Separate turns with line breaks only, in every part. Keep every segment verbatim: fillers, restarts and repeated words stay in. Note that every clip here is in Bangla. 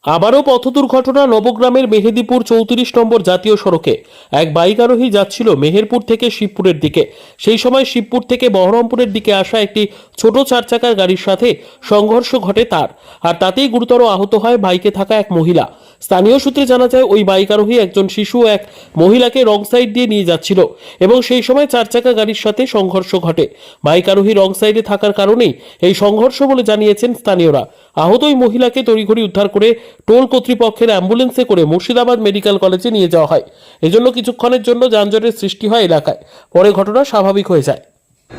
আবারও পথ দুর্ঘটনা। নবগ্রামের মেহেদিপুর চৌত্রিশ নম্বর জাতীয় সড়কে এক বাইক আরোহী যাচ্ছিল মেহেরপুর থেকে শিবপুরের দিকে। সেই সময় শিবপুর থেকে বহরমপুরের দিকে আসা একটি ছোট চার চাকার গাড়ির সাথে সংঘর্ষ ঘটে তার, আর তাতেই গুরুতর আহত হয় বাইকে থাকা এক মহিলা। স্থানীয় সূত্রে জানা যায়, ওই বাইক আরোহী একজন শিশু এক মহিলাকে রং সাইড দিয়ে নিয়ে যাচ্ছিল এবং সেই সময় চার চাকা গাড়ির সাথে সংঘর্ষ ঘটে। বাইক আরোহী রং সাইডে থাকার কারণেই এই সংঘর্ষ বলে জানিয়েছেন স্থানীয়রা। আহত ওই মহিলাকে তড়িঘড়ি উদ্ধার করে টোল কর্তৃপক্ষের অ্যাম্বুলেন্সে করে মুর্শিদাবাদ মেডিকেল কলেজে নিয়ে যাওয়া হয়। এজন্য কিছুক্ষণের জন্য যানজটের সৃষ্টি হয় এলাকায়, পরে ঘটনা স্বাভাবিক হয়ে যায়।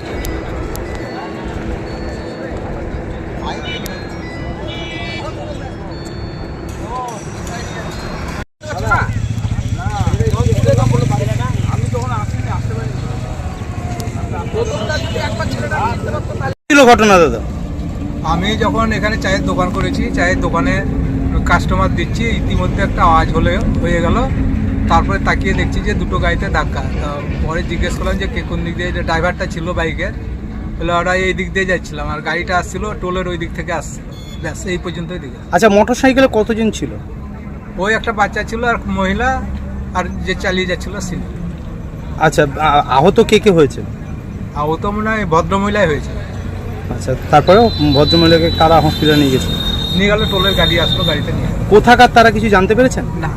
ঘটনা দাদা,
আমি যখন এখানে চায়ের দোকান করেছি, চায়ের দোকানে কাস্টমার দিচ্ছি, ইতিমধ্যে একটা আওয়াজ হলে হয়ে গেল। তারপরে তাকিয়ে দেখছি যে দুটো গাড়িতে ধাক্কা। পরে জিজ্ঞেস করলাম যে কে কোন দিক দিয়ে, যে ড্রাইভারটা ছিল বাইকের, বলে ওরা এই দিক দিয়ে যাচ্ছিলাম, আর গাড়িটা আসছিল টোলের ওই দিক থেকে আসছিল। ব্যাস এই পর্যন্তই দিকে।
আচ্ছা, মোটর সাইকেলে কতজন ছিল?
ওই একটা বাচ্চা ছিল আর মহিলা, আর যে চালিয়ে যাচ্ছিল ছিল।
আচ্ছা, আ- আহত কে কে হয়েছে?
আহত মনে হয় ভদ্রমহিলাই হয়েছে।
আচ্ছা, তারপরেও ভদ্রমহিলাকে কারা হসপিটালে নিয়ে গেছে?
নিয়ে গেল, টোলের গাড়ি আসলো, গাড়িতে নিয়ে গেল।
কোথাকার তারা কিছু জানতে পেরেছেন?
না,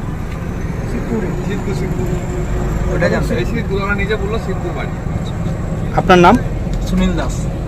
ওটা জানতে
আপনার নাম?
সুনীল দাস।